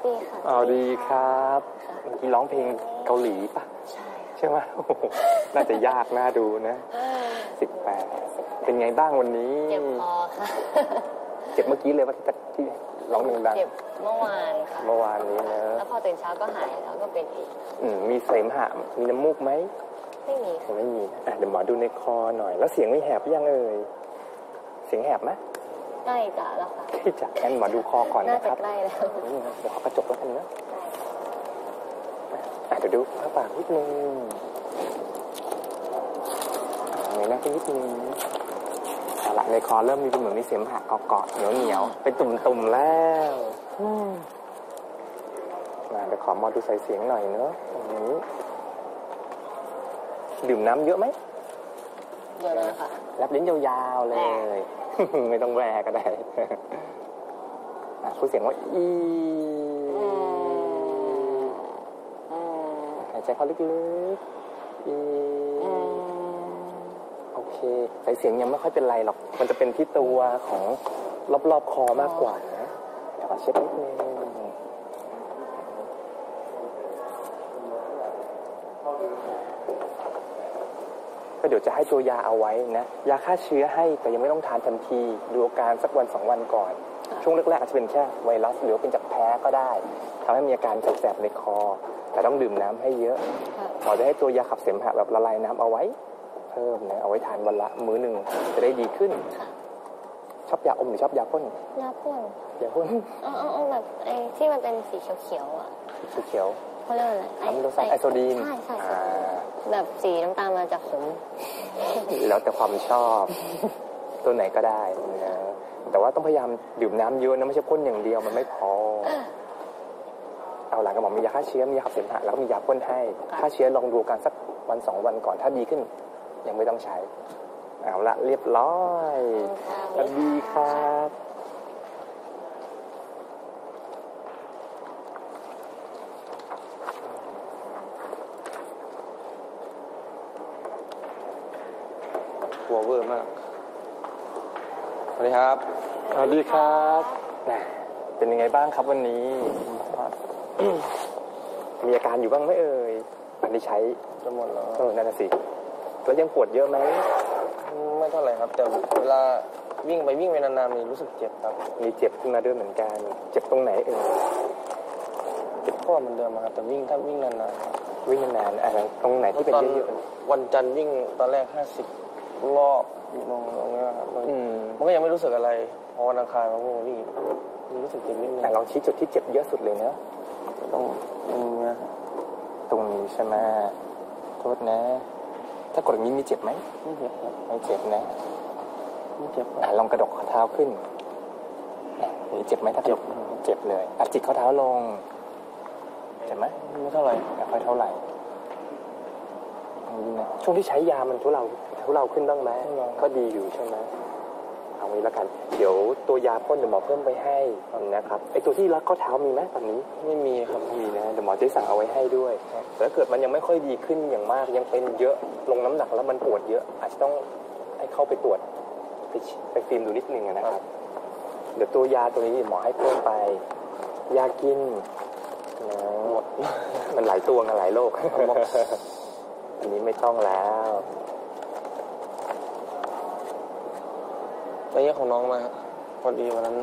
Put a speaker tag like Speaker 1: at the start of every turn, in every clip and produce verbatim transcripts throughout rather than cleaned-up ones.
Speaker 1: ดีค่ะ
Speaker 2: อ๋อดีครับเมื่อกี้ร้องเพลงเกาหลีป่ะ
Speaker 1: ใช่
Speaker 2: ใช่ไหมน่าจะยากน่าดูนะสิบแปดเป็นไงบ้างวันนี้
Speaker 1: เจ็บคอค่ะ
Speaker 2: เจ็บเมื่อกี้เลยว่าที่ที่ร้องดัง
Speaker 1: เจ็บเมื่อวานค่ะ
Speaker 2: เมื่อวานนี้นะ
Speaker 1: แล้วพอตื่นเช้าก็หายแล้วก็เป็นอีก
Speaker 2: อืมมีเสมหะมีน้ำมูกไหม
Speaker 1: ไม่มี
Speaker 2: ไม่มีอ่ะเดี๋ยวหมอดูในคอหน่อยแล้วเสียงไม่แหบยังเอ่ยเสียงแหบไหม
Speaker 1: ใกล้จะแล้วค่ะ
Speaker 2: ใกล้จะงั้นหมอดูคอก่อนนะครับ
Speaker 1: น่าจะใกล้แล้ว
Speaker 2: นี่นะเดี๋ยวขอกระจกแล้วกันนะอ่ะเดี๋ยวดูข้าปากนิดนึงเงยหน้าขึ้นนิดนึงเอาละในคอเริ่มมีเป็นเหมือนมีเสมหะเกาะๆเหนียวเหนียวเป็นตุ่มๆแล้วมาเดี๋ยวขอหมอดูใส่เสียงหน่อยเนอะตรงนี้ดื่มน้ำเยอะไหม
Speaker 1: เยอะเลยค่ะ
Speaker 2: แลบลิ้นยาวๆเลยไม่ต้องแหวกก็ได้พูดเสียงว่าอีหายใจเข้าลึกๆอีโอเคใส่เสียงยังไม่ค่อยเป็นไรหรอกมันจะเป็นที่ตัวของรอบๆคอมากกว่านะเดี๋ยวขอเช็คนิดนึงก็เดี๋ยวจะให้ตัวยาเอาไว้นะยาฆ่าเชื้อให้แต่ยังไม่ต้องทานทันทีดูอาการสักวันสองวันก่อนช่วงแรกๆอาจจะเป็นแค่ไวรัสหรือเป็นจากแพ้ก็ได้ทำให้มีอาการแสบๆในคอแต่ต้องดื่มน้ำให้เยอะหมอจะให้ตัวยาขับเสมหะแบบละลายน้ำเอาไว้เพิ่มนะเอาไว้ทานวันละมื้อหนึ่งจะได้ดีขึ้นชอบยาอมหรือชอบยาพ่น
Speaker 1: ยาพ่น
Speaker 2: ยาพ่น
Speaker 1: อ๋ออ๋อแบบไอ้ที่มันเป็นสีเขียวๆอ่ะ
Speaker 2: สีเขียว
Speaker 1: เขาเรียกอะไร
Speaker 2: ไอโดไซไอโซดีน
Speaker 1: ใช่ใช่แบบสีน้ำตาลมันจะขม
Speaker 2: แล้วแต่ความชอบตัวไหนก็ได้นะแต่ว่าต้องพยายามดื่มน้ำเยอะนะไม่ใช่พ่นอย่างเดียวมันไม่พอเอาหลังกระหม่อมมียาฆ่าเชื้อมียาขับเสมหะแล้วก็มียาพ่นให้ฆ่าเชื้อลองดูกันสักวันสองวันก่อนถ้าดีขึ้นยังไม่ต้องใช้เอาละเรียบร้อยสวัสดีครับ
Speaker 3: หัวเวอร์มากสวัสดีครับ
Speaker 2: สวัสดีครับเป็นยังไงบ้างครับวันนี้มีอาการอยู่บ้างไหมเอ่ยอันนี้ใช้
Speaker 3: จะหมดแล้ว
Speaker 2: เออนั่นสิแล้วยังปวดเยอะไหม
Speaker 3: ไม่เท่าไหร่ครับแต่เวลาวิ่งไปวิ่งไปนานๆมีรู้สึกเจ็บครับ
Speaker 2: มีเจ็บขึ้นมาด้วยเหมือนกันเจ็บตรงไหนเอ่ย
Speaker 3: เจ็บข้อเหมือนเดิมครับแต่วิ่งถ้าวิ่งนาน
Speaker 2: ๆวิ่งนานๆอะไรตรงไหนที่เป็นเยอะ
Speaker 3: ๆวันจันทร์วิ่งตอนแรกห้าสิบรอบลงตรงนี้ครับมันก็ยังไม่รู้สึกอะไรพอวันอังคารมาพวกนี้รู้สึกเจ็บนิดนึง
Speaker 2: ลองชี้จุดที่เจ็บเยอะสุดเลยเนาะ
Speaker 3: ตรงตรงนี้
Speaker 2: ตรงนี้ใช่ไหมโทษนะถ้ากดอย่างนี้มีเจ็บไหม
Speaker 3: ไม่เจ็บ
Speaker 2: ไม่เจ็บนะ
Speaker 3: ไม่เจ็บ
Speaker 2: ลองกระดกข้อเท้าขึ้นนี่เจ็บไหมถ้าเจ็บเจ็บเลยอัดจิกข้อเท้าลงเจ็บไหม
Speaker 3: ไม่เท่าไหร่
Speaker 2: ไม่ค่อยเท่าไหร่ช่วงที่ใช้ยามันทุเลาทุเลาขึ้นบ้างไหมก็ดีอยู่ใช่ไหมเอาไว้ละกันเดี๋ยวตัวยาพ่นเดี๋ยวหมอเพิ่มไปให้นะครับไอตัวที่รัดข้อเท้ามีไหมตอนนี้
Speaker 3: ไม่มีครับ
Speaker 2: ไม่มีนะเดี๋ยวหมอจะสั่งเอาไว้ให้ด้วยแต่ถ้าเกิดมันยังไม่ค่อยดีขึ้นอย่างมากยังเป็นเยอะลงน้ำหนักแล้วมันปวดเยอะอาจจะต้องให้เข้าไปตรวจไปไปฟิล์มดูนิดนึงนะครับเดี๋ยวตัวยาตัวนี้หมอให้เพิ่มไปยากินหมดมันหลายตัวกันหลายโรคอันนี้ไม่ต้องแล้ว
Speaker 3: ไปเยี่ยของน้องมาพอดีวันนั้น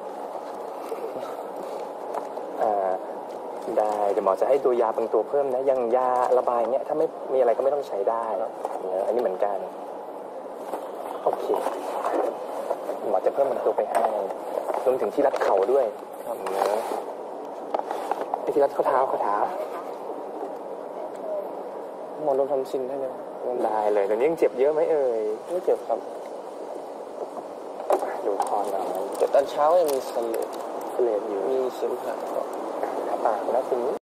Speaker 2: อ่าได้เดี๋ยวหมอจะให้ตัวยาบางตัวเพิ่มนะยังยาระบายเนี้ยถ้าไม่มีอะไรก็ไม่ต้องใช้ได้เนี่ยอันนี้เหมือนกันโอเคหมอจะเพิ่มบางตัวไปให้รวมถึงที่รัดเข่าด้วยครับเนื้อที่รัดข้อเท้าข้อเท้า
Speaker 3: หมอลดทำซินให้เลย
Speaker 2: ได้เลยเดี๋ยวนี้ยังเจ็บเยอะไหมเอ่ย
Speaker 3: ไม่เจ็บครับ
Speaker 2: ดูคอหน่อย
Speaker 3: แต่ตอนเช้ายังมีสเลด
Speaker 2: สเลดอยู่
Speaker 3: มีเสมหะ
Speaker 2: ปากแล้วตรงนี้